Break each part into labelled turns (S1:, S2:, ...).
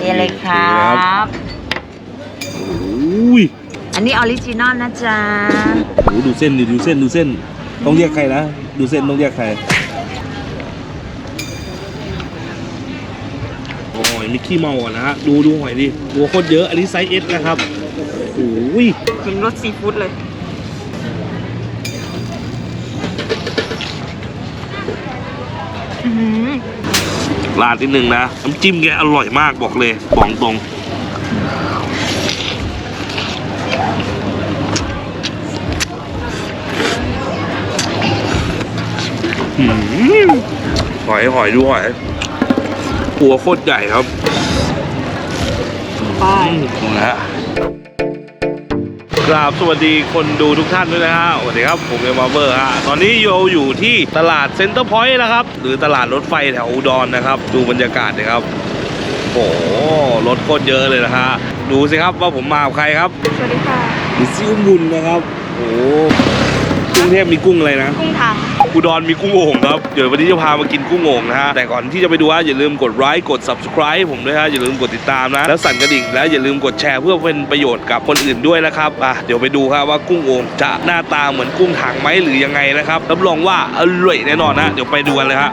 S1: เลยครับ
S2: อุ้ย
S1: อันนี้ออริจินอลนะจ๊ะ
S2: โอ้ดูเส้นดิดูเส้นต้องเรียกใครนะดูเส้นต้องเรียกใครหอยมิกกี้เมาส์นะฮะดูหอยดิตัวโคตรเยอะอันนี้ไซส์ S นะครับโอ้ย
S1: กินรสซีฟู้ดเลย
S2: ราดนิดนึงนะน้ำจิ้มแกอร่อยมากบอกเลยบอกตรงหอยดูหอยตัวโคตรใหญ่ครับนะฮะกราบสวัสดีคนดูทุกท่านด้วยนะฮะสวัสดีครับผมเอ็มเบอร์ฮะตอนนี้เราอยู่ที่ตลาดเซ็นเตอร์พอยต์นะครับหรือตลาดรถไฟแถวอุดรนะครับดูบรรยากาศเลยครับโอ้รถโคตรเยอะเลยนะฮะดูสิครับว่าผมมากับใครครับ
S1: สวัสดีค่ะ
S2: มีซิ่วบุญนะครับโอ้กรุงเทพมีกุ้งอะไรนะ
S1: กุ้งถัง
S2: อุดรมีกุ้งโอ่งครับเดี๋ยววันนี้จะพามากินกุ้งโอ่งนะฮะแต่ก่อนที่จะไปดูอย่าลืมกดไลค์กด subscribe ผมด้วยฮะอย่าลืมกดติดตามนะแล้วสั่นกระดิ่งแล้วอย่าลืมกดแชร์เพื่อเป็นประโยชน์กับคนอื่นด้วยนะครับเดี๋ยวไปดูครับว่ากุ้งโอ่งจะหน้าตาเหมือนกุ้งถังไหมหรือยังไงนะครับรับรองว่าอร่อยแน่นอนนะเดี๋ยวไปดูกันเลยฮะ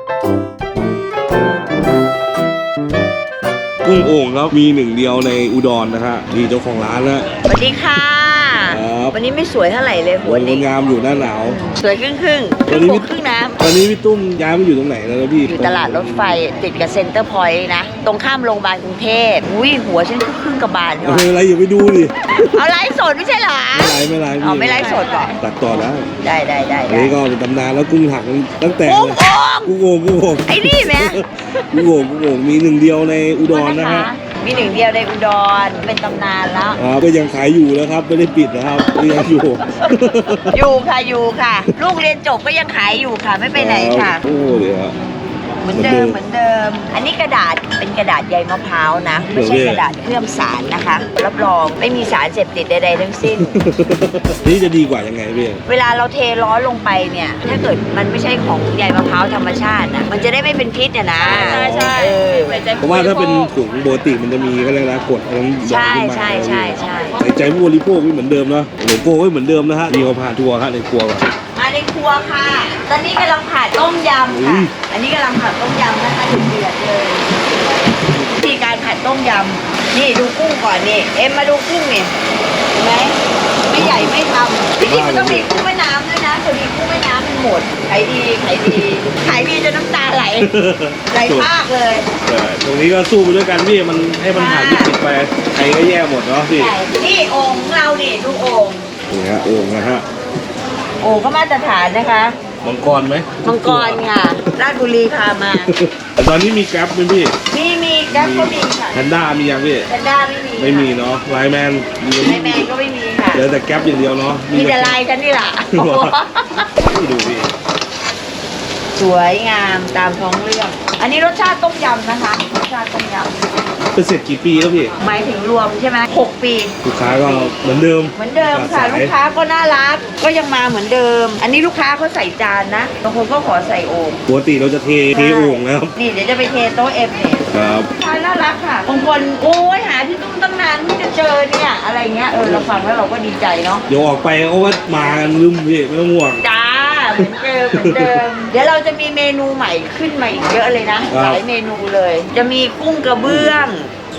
S2: กุ้งโอ่งครับมีหนึ่งเดียวในอุดรนะฮะนี่เจ้าของร้านนะ
S1: สวัสดีค่ะวันนี้ไม่สวยเท่าไหร่เลยหัว
S2: นี้งามอยู่หน้าหนาว
S1: สวยครึ่งครึ่งน้ำ
S2: ตอนนี้พี่ตุ้มย้ายมาอยู่ตรงไหนแล้วพี่
S1: อยู่ตลาดรถไฟติดกับเซ็นเตอร์พอยต์นะตรงข้ามโรงพยาบาลกรุงเทพอุ้ยหัวฉันครึ่งกับบาน
S2: อะไรอย่าไปดูดิ
S1: เอาไลฟ์สดไม่ใช่เหรอ
S2: ไม่ไลฟ์
S1: ไม่ไลฟ์สดก่อน
S2: ตัดต่อแล้ว
S1: ได้
S2: นี่ก็เป็นตำนานแล้วกุ้งถังตั้งแต่
S1: กุ้ง
S2: โอ่ง
S1: ไอ้นี่แม่
S2: กุ้งโอ่งมีหนึ่งเดียวในอุดรนะฮะ
S1: มีหนึ่งเดียวในอุดรเป็นตำนานแล้ว
S2: ก็ยังขายอยู่แล้วครับไม่ได้ปิดนะครับยังอยู่
S1: อยู่ค่ะลูกเรียนจบก็ยังขายอยู่ค่ะไม่ไปไหนค่ะ
S2: โอ้เดี๋ยว
S1: เหมือนเดิมอันนี้กระดาษเป็นกระดาษใยมะพร้าวนะไม่ใช่กระดาษเคลือบสารนะคะรับรองไม่มีสารเสพติดใดๆทั้งสิ้น
S2: นี่จะดีกว่ายังไงพี่
S1: เวลาเราเทร้อนลงไปเนี่ยถ้าเกิดมันไม่ใช่ของใยมะพร้าวธรรมชาตินะมันจะได้ไม่เป็นพิษนะ
S2: ใช่เพราะว่าถ้าเป็นถุงโบติมันจะมีก็เลยนะกดอะไร
S1: ใช่
S2: ในใจผู้บริโภคก็เหมือนเดิมนะโลโก้ก็เหมือนเดิมนะฮะมีมาผ่านทัวร์ครับในครัว
S1: มาในครัวค่ะตอนนี้กำลังผัดต้มยำค่ะอันนี้กำลังผัดต้มยำนะคะเดือดเลยวิธีการผัดต้มยำนี่ดูกุ้งก่อนนี่เอ็มมาดูกุ้งนี่เห็นไหมไม่ใหญ่ไม่ทำที่จริงมันต้องมีกุ้งแม่น้ำด้วยนะพอดีกุ้งแม่น้ำมันหมดขายดีจนน้ำตาไหลมากเลย
S2: ตรงนี้ก็สู้ไปด้วยกันพี่มันให้มันผ่านวิกฤตไปใครก็แย่หมดเนาะพี่
S1: นี่โอ่งเรานี่ดูโอ่ง
S2: นี่ฮะโอ่งนะฮะ
S1: โอ้ก็มาตรฐานนะคะ
S2: มังกรไหม
S1: มังกรค่ะราชบุรีพามา
S2: แต่ตอนนี้มีแกร็บไหมพี่
S1: มีแกร็บก็มีค่ะ
S2: แพนด้ามียังพี่
S1: แพนด้าไม่มี
S2: เนาะไลน์แมน
S1: ก็ไม่มีค่ะ
S2: เหลือแต่แกร็บอย่างเดียวเนาะ
S1: มีแต่ไลน์กันนี่แหละ
S2: ดูพี่
S1: สวยงามตามท้องเรื่องอันนี้รสชาติต้มยำนะคะรสชาติต้มยำ
S2: เป็นเสร็จกี่ปีแล้วพี่
S1: หมายถึงรวมใช่ไหม6 ปี
S2: ลูกค้าก็เหมือนเดิม
S1: ค่ะลูกค้าก็น่ารักก็ยังมาเหมือนเดิมอันนี้ลูกค้าเขาใส่จานนะบางคนก็ขอใส่โอ่ง
S2: ปกติเราจะเทโอ่งนะครับ
S1: นี่เดี๋ยวจะไปเทโต๊ะเอ็มเนี่ย
S2: ครับ
S1: น่ารักค่ะบางคนโอ้ยหาที่ตุ้มตั้งนานไม่จะเจอเนี่ยอะไรเงี้ยเราฟังแล้วเราก็ดีใจเนาะ
S2: เดี๋ยวออกไปเขาก็มากันลืมพี่ไม่ต้องห่วง
S1: จ้าเหมือนเดิมเดี๋ยวเราจะมีเมนูใหม่ขึ้นมาอีกเยอะเลยนะหลายเมนูเลยจะมีกุ้งกระเบื้อง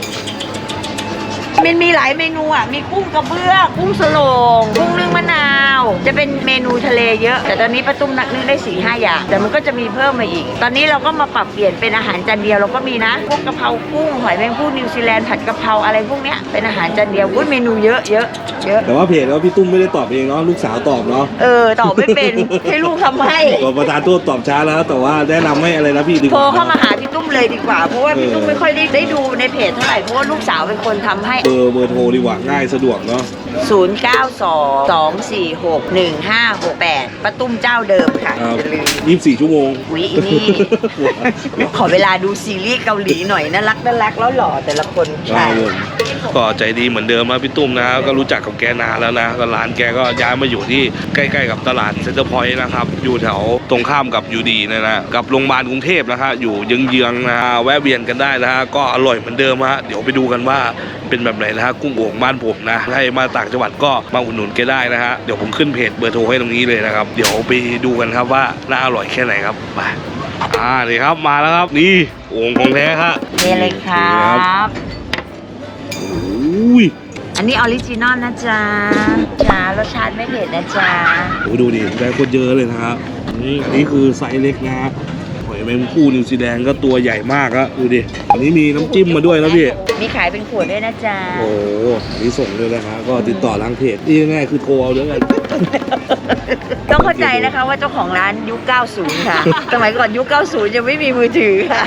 S1: มันมีหลายเมนูอ่ะมีกุ้งกระเบื้องกุ้งสโลงกุ้งนึ่งมะนาวจะเป็นเมนูทะเลเยอะแต่ตอนนี้ป้าตุ้มนึกได้4-5 อย่างแต่มันก็จะมีเพิ่มมาอีกตอนนี้เราก็มาปรับเปลี่ยนเป็นอาหารจานเดียวเราก็มีนะพวกกะเพรากุ้งหอยแมงภู่นิวซีแลนด์ผัดกะเพราอะไรพวกเนี้ยเป็นอาหารจานเดียวเมนูเยอะ
S2: แต่ว่าเพจแล้วพี่ตุ้มไม่ได้ตอบเองเนาะลูกสาวตอบเนาะ
S1: ตอบไม่เป็นให้ลูกทำให้
S2: ประธานตัวตอบช้าแล้วแต่ว่าแนะนำให้อะไรนะพี่
S1: โทรเข้ามาหาพี่ตุ้มเลยดีกว่าเพราะว่าพี่ตุ้มไม่ค่อยได้ดูในเพจเท่าไหร่เพราะว่าลูกสาวเป็นคนทำให้
S2: เบอร์โทรดีกว่าง่ายสะดวกเนาะ
S1: 0922461568ป้าตุ้มเจ้าเดิมค่ะ
S2: ครับ
S1: อย่าลืม
S2: 24 ชั่วโมง
S1: วินี่ ขอเวลาดูซีรีส์เกาหลีหน่อยน่ารักแล้วหล่อแต่ละคน
S2: ครับผมก็ใจดีเหมือนเดิมนะพี่ตุ้มนะก็รู้จักกับแกนานแล้วนะก็ร้านแกก็ย้ายมาอยู่ที่ใกล้ๆกับตลาดเซ็นเตอร์พอยต์นะครับอยู่แถวตรงข้ามกับยูดีนะกับโรงพยาบาลกรุงเทพนะครับอยู่เยื้องๆนะฮะแวะเวียนกันได้นะฮะก็อร่อยเหมือนเดิมฮะเดี๋ยวไปดูกันว่าเป็นแบบไหนนะฮะกุ้งโอ่งบ้านผมนะให้มาต่างจังหวัดก็มาอุดหนุนแกได้นะฮะเดี๋ยวผมขึ้นเพจเบอร์โทรให้ตรงนี้เลยนะครับเดี๋ยวไปดูกันครับว่าน่าอร่อยแค่ไหนครับไปนี่ครับมาแล้วครับนี่โอ่งของแท้ครับ
S1: นี่เลยครับ
S2: โอ้ย
S1: อันนี้ออริจินอลนะจ๊ะรสชาติไม่เผ็ดนะจ๊ะ
S2: โอ้ดูดิได้คนเยอะเลยนะครับอันนี้คือไซส์เล็กนะหอยแมงคู่นิวซีแลนด์ก็ตัวใหญ่มากอะดูดิอันนี้มีน้ำจิ้มมาด้วยนะพี่
S1: มีขายเป็นขวดด้วยนะจ๊ะ
S2: โอ้อันนี้ส่งด้วยนะครับก็ติดต่อทางเพจที่ง่ายๆคือโทรเอาด้วยกัน
S1: ต้องเข้าใจนะคะว่าเจ้าของร้านยุค 90 ค่ะ สมัยก่อนยุค 90 ยังไม่มีมือถือค่ะ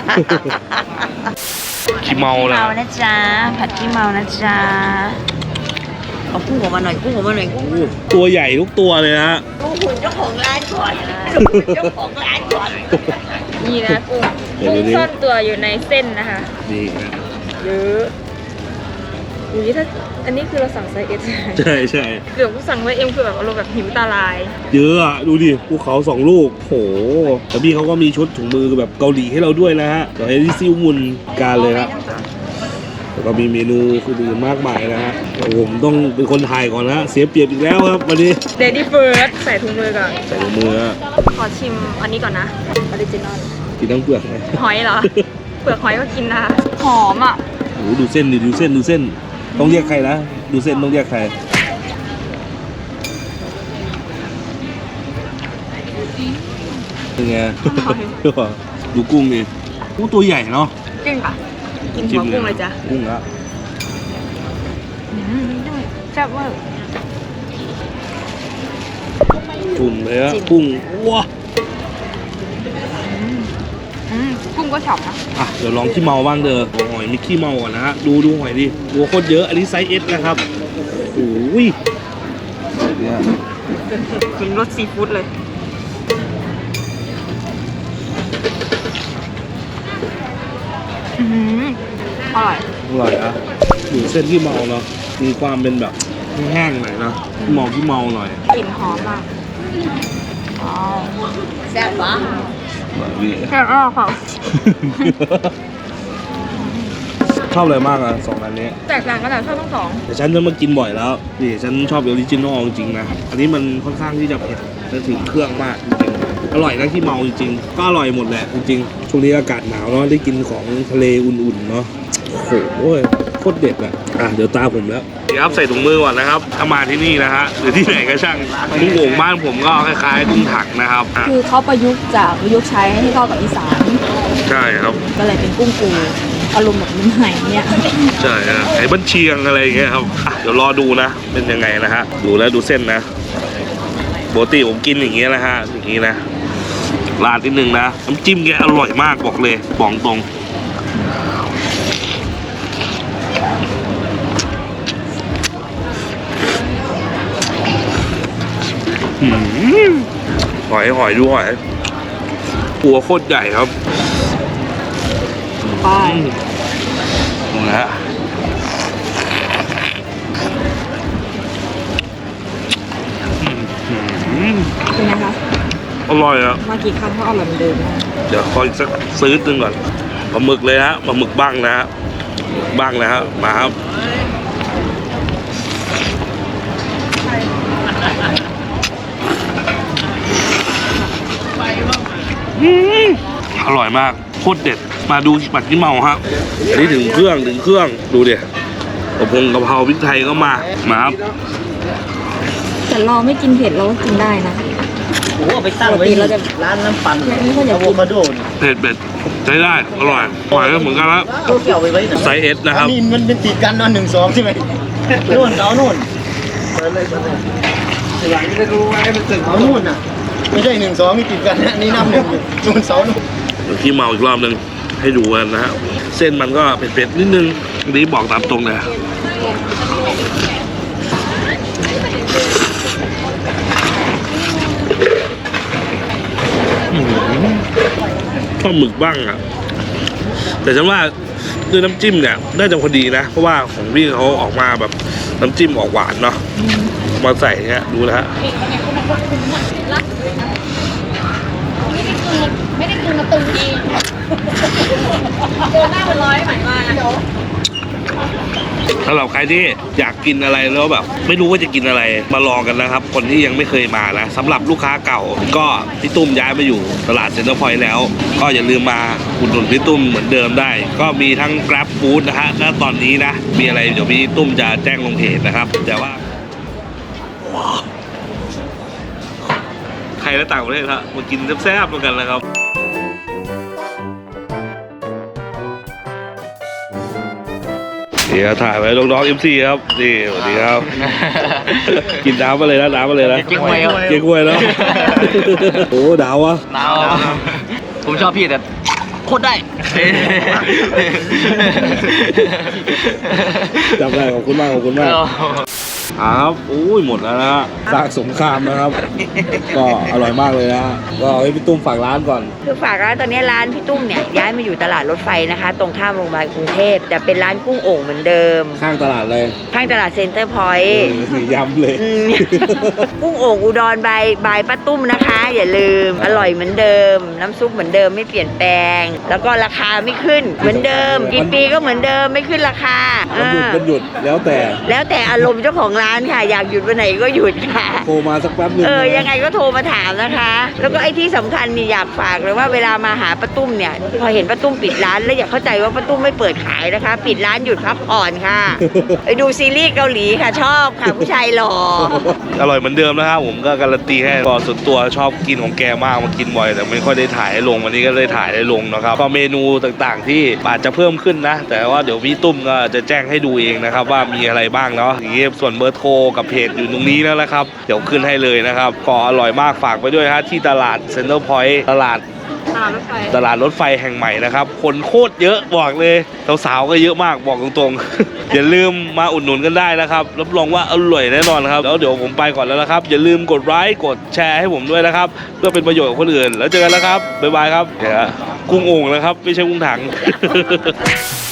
S2: ขี้เมา
S1: ขี้
S2: ละ
S1: เมานะจ๊ะ ผัดขี้เมานะจ๊ะ เอากุ้งออกมาหน่อยกุ้งออกมาหน่อยกุ้ง
S2: โอ้ตัวใหญ่ทุกตัวเลยนะ
S1: ดูหุ่นเจ้าของร้านก่อนดูหุ่นเจ้าของร้านก่อน
S3: นี่นะกุ้ง
S2: เดี๋ยว
S3: กุ้ง
S2: นี้
S3: ซ่อนตัวอยู่ในเส้นนะคะ
S2: นี่นะ
S3: เยอะอุ้ยถ้าอันนี้คือเราสั่งไซส์เอส
S2: ใช่ใช่
S3: เกือบกูสั่งไว้เอ็มคือแบบอารมณ์แบบหิวตาลาย
S2: เยอะอะดูดิภูเขา2 ลูกโหแต่พี่เขาก็มีชุดถุงมือแบบเกาหลีให้เราด้วยนะฮะเดี๋ยวให้ที่ซิลมุนการเลยครับ แล้วก็มีเมนูอื่นๆมากมายนะฮะเดี๋ยวผมต้องเป็นคนถ่ายก่อนนะเสียเปรียบอีกแล้วครับวันนี้
S3: เดดี้เฟิร์สใส่ถุงมือก่อน
S2: ใส่มือฮะ
S3: ขอชิมอันนี้ก่อนนะออริจินอล
S2: กินทั้งเปลือกไหม
S3: หอยเหรอ เปลือกหอยก็กินนะคะหอมอ่ะ
S2: โอ้โหดูเส้นดิดูเส้นดูเส้น ต้องเรียกใครนะดูเส้นต้องเรียกใครเป็นไง ดูกุ้งดิกุ้งตัวใหญ่เนาะ
S3: จริงปะกินหัวกุ้งเลยจ้ะ
S2: กุ้งละ
S3: แซ่บเวอร์
S2: จุ่มเลยอะกุ้งว้า
S3: กุ้งก็ฉ่ำนะ
S2: อ่ะเดี๋ยวลองขี้เมาบ้างเด้อหอยมีขี้เมาก่อนนะฮะดูหอยดิตัวโคตรเยอะอันนี้ไซส์เอสนะครับโอ้ยเนี่ย
S3: กินรสซีฟู้ดเลยอร่อย
S2: อร่อยนะดูเส้นขี้เมาเนาะมีความเป็นแบบแห้งๆหน่อยนะขี้เมาหน่อย
S3: กลิ่นหอมมาก
S1: แซ่บปะ
S2: แบบนี้
S3: แซ่บมากค่ะ
S2: ชอบอะไรมากอ่ะ2 อันนี้
S3: แตกต่างกันแต่ชอบทั้งสอง
S2: แต่ฉันจะมากินบ่อยแล้วนี่ฉันชอบออริจินอลจริงๆนะอันนี้มันค่อนข้างที่จะเผ็ดและถึงเครื่องมากจริงๆอร่อยนะขี้เมาจริงๆก็อร่อยหมดแหละจริงๆช่วงนี้อากาศหนาวเนาะได้กินของทะเลอุ่นๆเนาะโอ้โหโคตรเด็ดอ่ะเดี๋ยวตาผมแล้วเดี๋ยวครับใส่ถุงมือก่อนนะครับถ้ามาที่นี่นะฮะหรือที่ไหนก็ช่างกุ้งโอ่งบ้านผมก็คล้ายๆกุ้งถักนะครับอ่ะ
S4: คือเขาประยุกต์ใช้ให้เข้ากับอีสาน
S2: ใช่ครับ
S4: ก็เลยเป็นกุ้งปูอารมณ์แบบมันไหเนี่ย
S2: ใช่ฮะไอ้บ้านเชียงอะไรอย่างเงี้ยครับอ่ะเดี๋ยวรอดูนะเป็นยังไงนะฮะดูแล้วดูเส้นนะปกติผมกินอย่างเงี้ยนะฮะอย่างงี้นะราดนิดนึงนะน้ำจิ้มแกอร่อยมากบอกเลยบอกตรงหอยดูหอยตัวโคตรใหญ่ครับ
S4: ไป
S2: นะฮะ
S4: เป็นไงคะ
S2: อร่อยอ่ะ
S4: มากี่ครั้งก็อร่อยเหมือนเดิมนะ
S2: เดี๋ยวคอยสักซื้อตึงก่อนปลาหมึกเลยฮะปลาหมึกบ้างนะฮะบ้างนะฮะมาครับอร่อยมากโคตรเด็ดมาดูผัดขี้เมาฮะอันนี้ถึงเครื่องดูเดี๋ยวกระเพราพริกไทยก็มาครับ
S4: แต่เราไม่กินเผ็ดเราก็กินได้นะ
S5: โอ้โหไปตั้งไว้ร้านน้ำปั่น
S4: ไม่ค่อยอยากกิน
S5: อะโวคาโดนี่
S2: เผ็ดเบ็ดใช้ได้อร่อยหอยก็เหมือนกันแล้ว
S5: ตัวเกี่ยวไปไว้ไหน
S2: ไซส์เอสนะครับ
S5: อันนี้มันเป็นติดกันนอน1-2ใช่ไหมนู่นเอานู่นเอานู่นน่ะไม่ใช่1-2นี่ติดกันนะนี่นับ1นู่นเสานู่น
S2: เดี๋ยวขี้เมาอีกรอบนึงให้ดูกันนะฮะเส้นมันก็เผ็ดๆนิดนึงอันนี้บอกตามตรงเลยชอบหมึกบ้างอ่ะแต่ฉันว่าด้วยน้ำจิ้มเนี่ยน่าจะพอดีนะเพราะว่าของพี่เขาออกมาแบบน้ำจิ้มออกหวานเนาะมาใส่เนี่ยดูนะฮะ
S4: ไม่ได้กินมาตึงเองเจอหน้ามันร้อยหมายมา
S2: สำหรับใครที่อยากกินอะไรแล้วแบบไม่รู้ว่าจะกินอะไรมาลองกันนะครับคนที่ยังไม่เคยมานะสำหรับลูกค้าเก่าก็พี่ตุ้มย้ายมาอยู่ตลาดเซ็นเตอร์พอยต์แล้วก็อย่าลืมมาอุดหนุนพี่ตุ้มเหมือนเดิมได้ ก็มีทั้ง Grab Food นะฮะณตอนนี้นะมีอะไรเดี๋ยวพี่ตุ้มจะแจ้งลงเพจนะครับแต่ว่าใครและต่างประเทศครับมากินแซ่บๆเหมือนกันนะครับนี่ครับถ่ายไว้น้องๆ MC ครับนี่สวัสดีครับ กินน้ำมาเลยนะน้ำมาเลยนะ
S6: เก๊กฮวยครับ
S2: เก๊กฮวยแล้ว โอ้ดาววะ
S6: หนาวผมชอบพี่แต่โคตรได้
S2: จำได้ขอบคุณมากขอบคุณมากครับอุ้ยหมดแล้วนะสร้างสงครามนะครับ ก็อร่อยมากเลยนะก็ให้พี่ตุ้มฝากร้านก่อน
S1: คือฝากร้านตอนนี้ร้านพี่ตุ้มเนี่ยย้ายมาอยู่ตลาดรถไฟนะคะ ตรงข้ามโรงพยาบาลกรุงเทพแต่เป็นร้านกุ้งโอ่งเหมือนเดิม
S2: ข้างตลาดเลย
S1: ข้างตลาดเซ็นเตอร์พอยต์
S2: ย้ำเลย
S1: กุ้งโอ่งอุดรบายป้าตุ้มนะคะ อย่าลืมอร่อยเหมือนเดิม น้ำซุปเหมือนเดิมไม่เปลี่ยนแปลง แล้วก็ราคาไม่ขึ้นเหมือนเดิมกี่ปีก็เหมือนเดิมไม่ขึ้นราคา
S2: มันหยุดแล้วแต่
S1: แล้วแต่อารมณ์เจ้าของร้านค่ะ อยากหยุดวันไหนก็หยุดค่ะ
S2: โทรมาสักแป๊บนึง
S1: ยังไงก็โทรมาถามนะคะ แล้วก็ไอ้ที่สำคัญนี่อยากฝากเลยว่าเวลามาหาป้าตุ้มเนี่ยพอเห็นป้าตุ้มปิดร้านแล้วอย่าเข้าใจว่าป้าตุ้มไม่เปิดขายนะคะ ปิดร้านหยุดพักผ่อนค่ะ ไปดูซีรีส์เกาหลีค่ะชอบค่ะผู้ชายหล่อ
S2: อร่อยเหมือนเดิมนะครับผมก็การันตีให้ก็ส่วนตัวชอบกินของแกมากมากินบ่อยแต่ไม่ค่อยได้ถ่ายให้ลงวันนี้ก็เลยถ่ายได้ลงนะครับก็เมนูต่างๆที่อาจจะเพิ่มขึ้นนะ แต่ว่าเดี๋ยวพี่ตุ้มก็จะแจ้งให้ดูเองนะครับว่ามีอะไรบ้างเนาะอย่างเงี้ยส่วนเบอร์โทรกับเพจอยู่ตรงนี้แล้วนะครับเดี๋ยวขึ้นให้เลยนะครับก็อร่อยมากฝากไปด้วยฮะที่ตลาดเซ็นเตอร์พอยต์ตลาดรถไฟแห่งใหม่นะครับคนโคตรเยอะบอกเลยสาวๆก็เยอะมากบอกตรงๆ อย่าลืมมาอุดหนุนกันได้นะครับรับรองว่าอร่อยแน่นอนครับแล้วเดี๋ยวผมไปก่อนแล้วนะครับอย่าลืมกดไลค์กดแชร์ให้ผมด้วยนะครับเพื่อเป็นประโยชน์กับคนอื่นแล้วเจอกันแล้วครับบ๊ายบายครับเดี๋ยวกุ้งโอ่งนะครับไม่ใช่กุ้งถัง